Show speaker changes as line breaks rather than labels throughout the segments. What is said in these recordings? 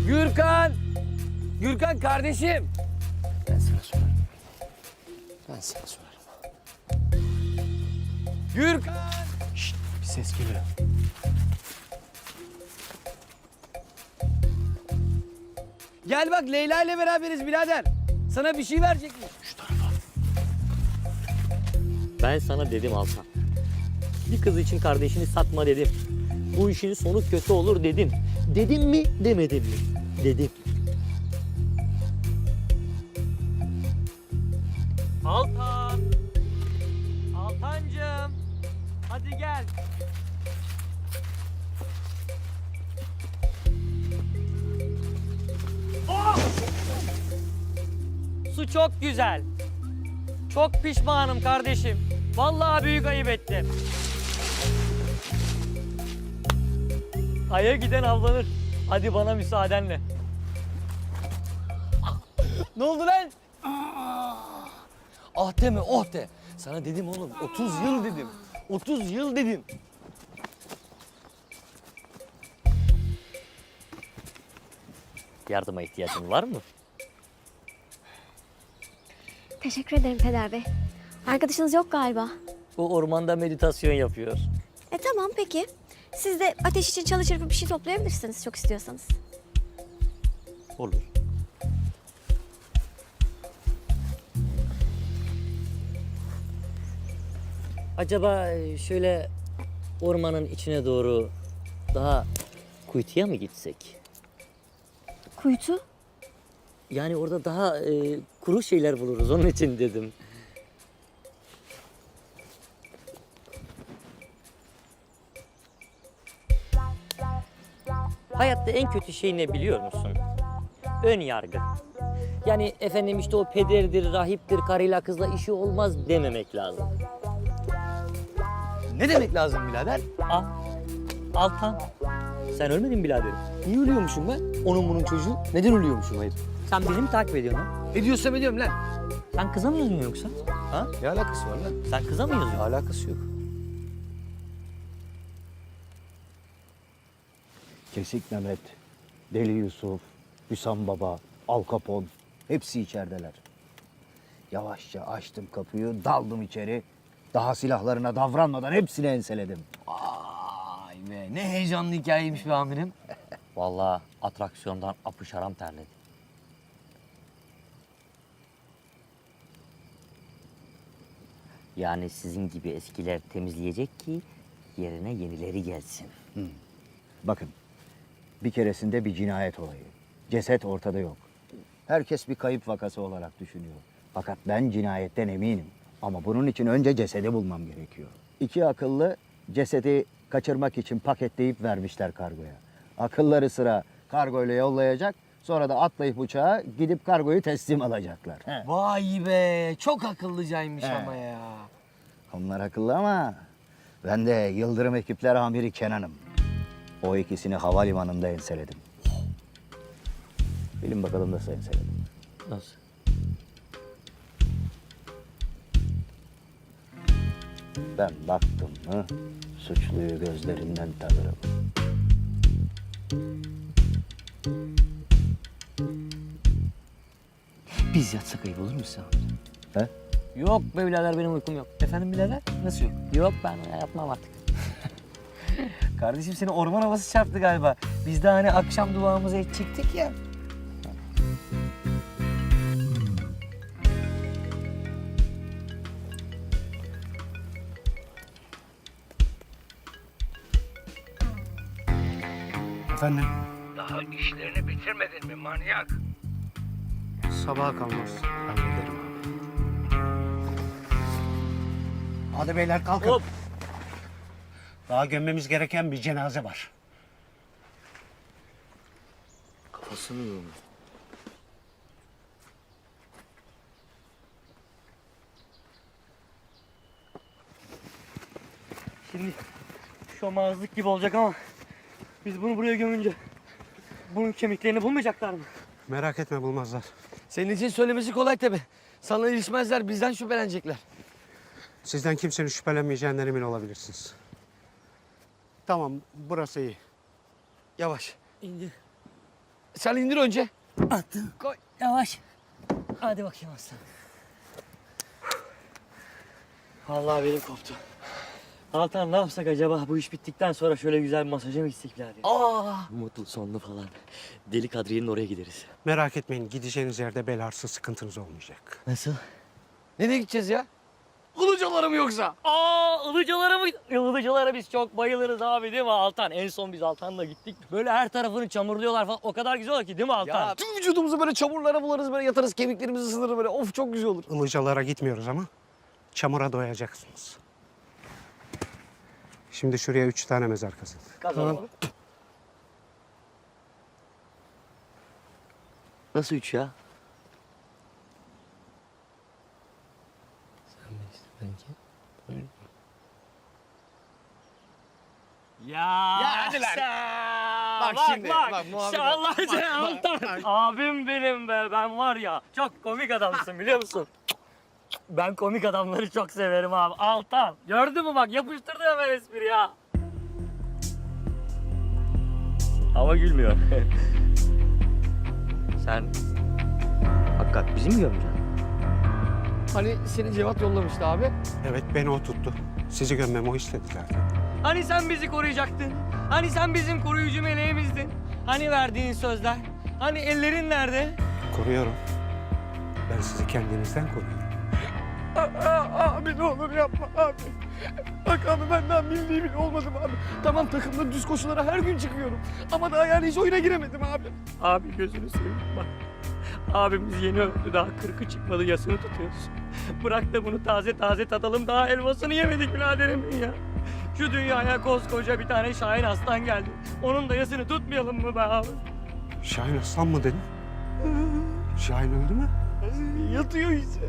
Gürkan! Gürkan kardeşim!
Ben sana sorarım. Ben sana sorarım.
Gürkan!
Şşt, bir ses geliyor.
Gel bak Leyla ile beraberiz birader. Sana bir şey verecekmiş.
Şu tarafa.
Ben sana dedim Altan. Bir kız için kardeşini satma dedim. Bu işin sonu kötü olur dedim. Dedim mi demedim mi? Dedim. Altan! Altancığım! Hadi gel. Oh! Su çok güzel. Çok pişmanım kardeşim. Vallahi büyük ayıp ettim. Aya giden avlanır. Hadi bana müsaadenle.
Ne oldu lan? Ah deme oh de. Sana dedim oğlum 30 yıl dedim. 30 yıl dedim.
Yardıma ihtiyacın var mı?
Teşekkür ederim Peder Bey. Arkadaşınız yok galiba.
Bu ormanda meditasyon yapıyor.
Tamam peki. Siz de ateş için çalışır bir şey toplayabilirsiniz çok istiyorsanız.
Olur. Acaba şöyle ormanın içine doğru daha kuytuya mı gitsek?
Kuytu?
Yani orada daha kuru şeyler buluruz onun için dedim. Hayatta en kötü şey ne biliyor musun? Ön yargı. Yani efendim işte o pederdir, rahiptir, karıyla kızla işi olmaz dememek lazım.
Ne demek lazım birader?
Al. Altan. Sen ölmedin mi biraderim?
Niye ölüyormuşum ben? Onun bunun çocuğu. Neden ölüyormuşum hayır?
Sen beni mi takip ediyorsun ha?
Ne diyorsam ediyorum lan.
Sen kıza mı yazıyorsun yoksa? Ha?
Ne alakası var lan?
Sen kıza mı yazıyorsun?
Alakası yok.
Kesik Mehmet, Deli Yusuf, Hüsam Baba, Al Capone hepsi içerideler. Yavaşça açtım kapıyı, daldım içeri. Daha silahlarına davranmadan hepsini enseledim.
Vay be ne heyecanlı hikayeymiş be amirim.
Vallahi atraksiyondan apış aram terledi. Yani sizin gibi eskiler temizleyecek ki yerine yenileri gelsin.
Bakın, bir keresinde bir cinayet olayı. Ceset ortada yok. Herkes bir kayıp vakası olarak düşünüyor. Fakat ben cinayetten eminim. Ama bunun için önce cesedi bulmam gerekiyor. İki akıllı cesedi kaçırmak için paketleyip vermişler kargoya. Akılları sıra kargoyla yollayacak. Sonra da atlayıp uçağa gidip kargoyu teslim alacaklar. He.
Vay be çok akıllıcaymış
He.
ama ya.
Onlar akıllı ama ben de Yıldırım Ekipler Amiri Kenan'ım. O ikisini havalimanında enseledim. Bilin bakalım nasıl enseledim.
Nasıl?
Ben baktım mı suçluyu gözlerinden tanırım.
Biz yatsak ayıp olur mu sen?
He?
Yok be birader benim uykum yok.
Efendim birader nasıl yok?
Yok ben yapmam artık.
Kardeşim seni orman havası çarptı galiba. Biz de hani akşam duamızı edecektik ya.
Efendim?
Daha işlerini bitirmedin mi manyak?
Sabaha kalmaz. Hallederim abi. Hadi beyler kalkın.
Hop.
Daha gömmemiz gereken bir cenaze var.
Kafasını yiyor.
Şimdi şomazlık gibi olacak ama biz bunu buraya gömünce bunun kemiklerini bulmayacaklar mı?
Merak etme bulmazlar.
Senin için söylemesi kolay tabii. Sana ilişmezler bizden şüphelenecekler.
Sizden kimsenin şüphelenmeyeceğinden emin olabilirsiniz. Tamam, burası iyi.
Yavaş.
İndi.
Sen indir önce.
Attım. Koy. Yavaş. Hadi bakayım aslan. Vallahi benim koptu. Altan ne yapsak acaba? Bu iş bittikten sonra şöyle güzel bir masaja mı gitsek birader? Mutlu sonlu falan. Deli Kadriye'nin oraya gideriz.
Merak etmeyin, gideceğiniz yerde bel ağrısı sıkıntınız olmayacak.
Nasıl?
Nereye gideceğiz ya? Ilıcalara mı yoksa?
Ilıcalara mı? Ilıcalara biz çok bayılırız abi değil mi Altan? En son biz Altan'la gittik. Böyle her tarafını çamurluyorlar falan. O kadar güzel ki değil mi Altan?
Ya tüm vücudumuzu böyle çamurlara bularız, böyle yatarız, kemiklerimizi ısınır böyle. Of çok güzel olur.
Ilıcalara gitmiyoruz ama çamura doyacaksınız. Şimdi şuraya 3 tane mezar kazın.
Kazanalım. Nasıl 3 ya? Ya
hadi lan.
sen-
Bak şimdi, bak muhabbet-
Allah sen Altan. Abim benim be. Ben var ya çok komik adamsın biliyor musun? Ben komik adamları çok severim abi. Altan. Gördün mü bak yapıştırdı hemen espri ya. Ama gülmüyor. Sen hakikat bizi mi gömeceksin?
Hani seni Cevat yollamıştı abi.
Evet, beni o tuttu. Sizi gömmemi o istedi zaten.
Hani sen bizi koruyacaktın? Hani sen bizim koruyucu meleğimizdin? Hani verdiğin sözler? Hani ellerin nerede?
Koruyorum. Ben sizi kendinizden koruyorum.
Abi ne olur yapma abi. Bak abi benden bildiği bile olmadım abi. Tamam takımda düz koşulara her gün çıkıyorum. Ama daha yani hiç oyuna giremedim abi.
Abi gözünü seveyim bak. Abimiz yeni öldü daha 40'ı çıkmadı yasını tutuyoruz. Bırak da bunu taze taze tadalım daha elmasını yemedik biraderim ya. Şu dünyaya koskoca bir tane Şahin Aslan geldi. Onun da yasını tutmayalım mı be abi?
Şahin Aslan mı dedin? Şahin öldü mü?
Yatıyor işte.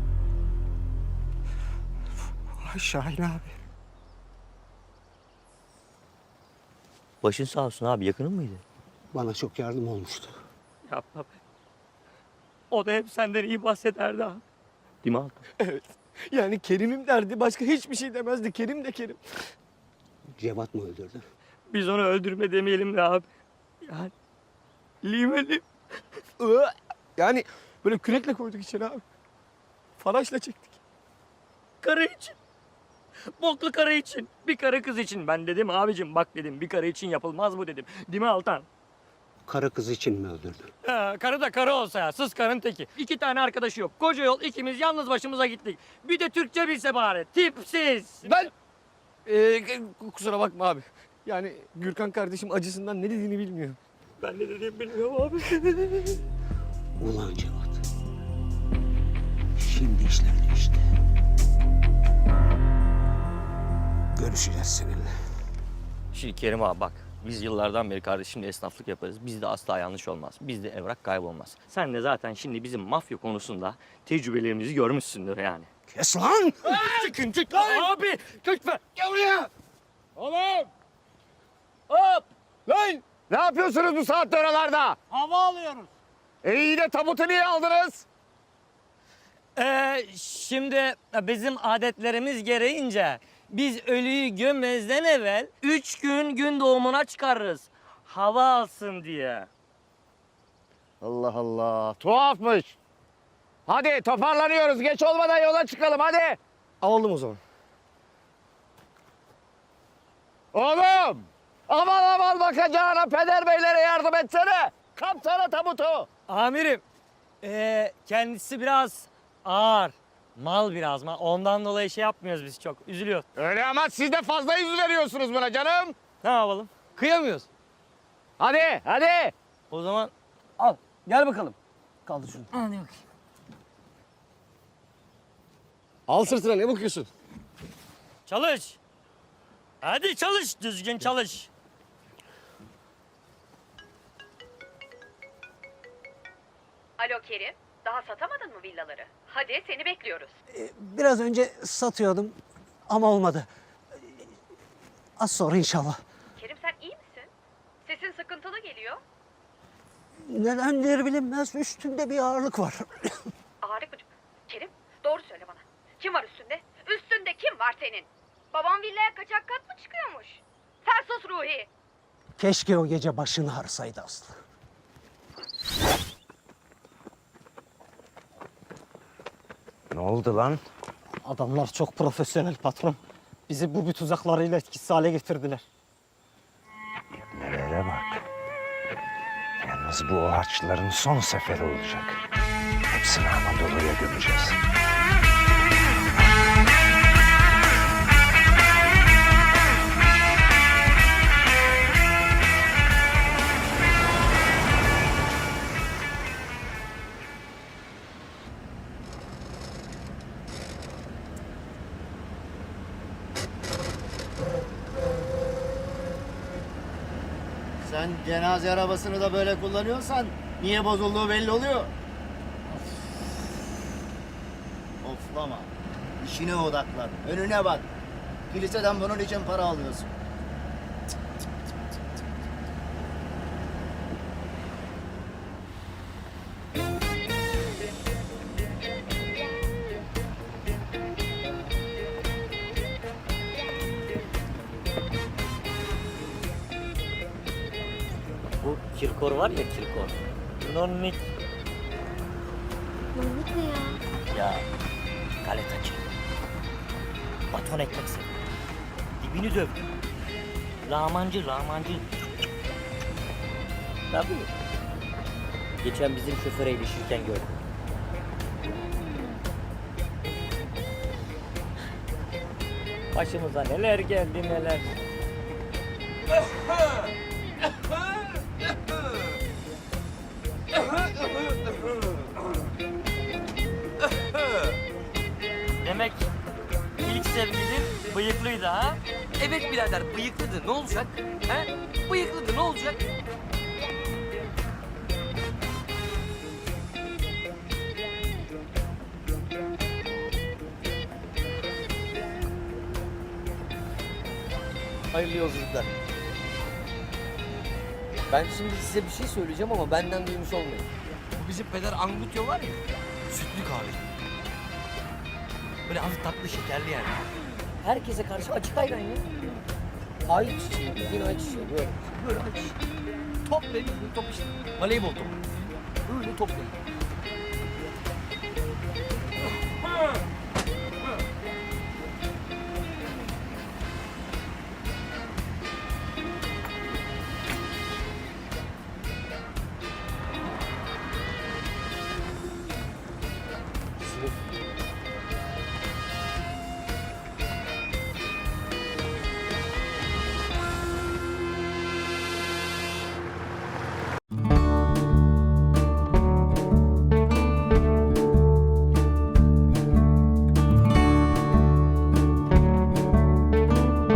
Ay Şahin abi.
Başın sağ olsun abi yakının mıydı?
Bana çok yardım olmuştu.
Yapma be. O da hep senden iyi bahsederdi abi. Değil mi Altan?
Evet. Yani Kerim'im derdi. Başka hiçbir şey demezdi. Kerim de Kerim.
Cevat mı öldürdü?
Biz onu öldürme demeyelim de abi. Yani limeli.
Yani böyle kürekle koyduk içeri abi. Faraşla çektik.
Karı için. Boklu karı için. Bir karı kız için. Ben dedim abicim bak dedim bir karı için yapılmaz bu dedim. Değil mi Altan?
Karı kız için mi öldürdü?
Karı da karı olsa ya. Sız karın teki. 2 tane arkadaşı yok. Koca yol ikimiz yalnız başımıza gittik. Bir de Türkçe bilse bari. Tipsiz.
Ben kusura bakma abi. Yani Gürkan kardeşim acısından ne dediğini bilmiyor.
Ben ne dediğimi bilmiyorum abi.
Ulan Cevat. Şimdi işler değişti. Görüşeceğiz seninle.
Şimdi Kerim abi bak. Biz yıllardan beri kardeşimle esnaflık yaparız. Bizde asla yanlış olmaz. Bizde evrak kaybolmaz. Sen de zaten şimdi bizim mafya konusunda tecrübelerimizi görmüşsündür yani.
Kes lan!
Çıkın çık abi! Lütfen!
Gel buraya!
Oğlum! Hop!
Lan! Ne yapıyorsunuz bu saatte oralarda?
Hava alıyoruz.
İyi de tabutu niye aldınız?
Şimdi bizim adetlerimiz gereğince biz ölüyü gömmezden evvel 3 gün doğumuna çıkarırız. Hava alsın diye.
Allah Allah. Tuhafmış. Hadi toparlanıyoruz. Geç olmadan yola çıkalım hadi. Alalım o zaman. Oğlum! Aman aman bakacağına peder beylere yardım etsene. Kapsana tabutu.
Amirim, kendisi biraz ağır. Mal biraz mal. Ondan dolayı şey yapmıyoruz biz çok. Üzülüyor.
Öyle ama siz de fazla yüz veriyorsunuz buna canım.
Ne yapalım?
Kıyamıyoruz. Hadi hadi.
O zaman
Al gel bakalım. Kaldır şunu.
hadi bakayım.
Al sırtına ne bakıyorsun?
Çalış. Hadi çalış. Düzgün çalış.
Alo Kerim, daha satamadın mı villaları? Hadi seni bekliyoruz.
Biraz önce satıyordum ama olmadı. Az sonra inşallah.
Kerim sen iyi misin? Sesin sıkıntılı geliyor.
Nedendir bilinmez üstünde bir ağırlık var.
Ağrı mı? Kerim doğru söyle bana. Kim var üstünde? Üstünde kim var senin? Babam villaya kaçak kat mı çıkıyormuş? Sen sus Ruhi.
Keşke o gece başını ağrısaydı Aslı. Ne oldu lan?
Adamlar çok profesyonel patron. Bizi bu tuzaklarıyla etkisiz hale getirdiler.
Nelere bak. Yalnız bu o harçların son seferi olacak. Hepsini Anadolu'ya gömeceğiz.
Sen cenaze arabasını da böyle kullanıyorsan niye bozulduğu belli oluyor. Oflama. İşine odaklan. Önüne bak. Kiliseden bunun için para alıyorsun.
Bu Kirkor var ya Kirkor. Nonnik.
Mahmut ne ya?
Ya galetacı. Baton ekmek seviyor. Dibini dövdü. Lağmancı. Tabii. Geçen bizim şoföre ilişirken gördüm. Başımıza neler geldi neler. Demek ilk sevgilin bıyıklıydı ha?
Evet birader bıyıklıdı ne olacak? He? Bıyıklıdı ne olacak? Hayırlı yolculuklar. Ben şimdi size bir şey söyleyeceğim ama benden duymuş olmayın. Bu bizim peder Angutyo var ya, sütlü kahve. Böyle hafif tatlı şekerli yani. Herkese karşı açık ayran ya. Ay çiçeği, bildiğin ay çiçeği böyle. Böyle ay çiçeği. Top benim top işte. Voleybol topu. Böyle top benim.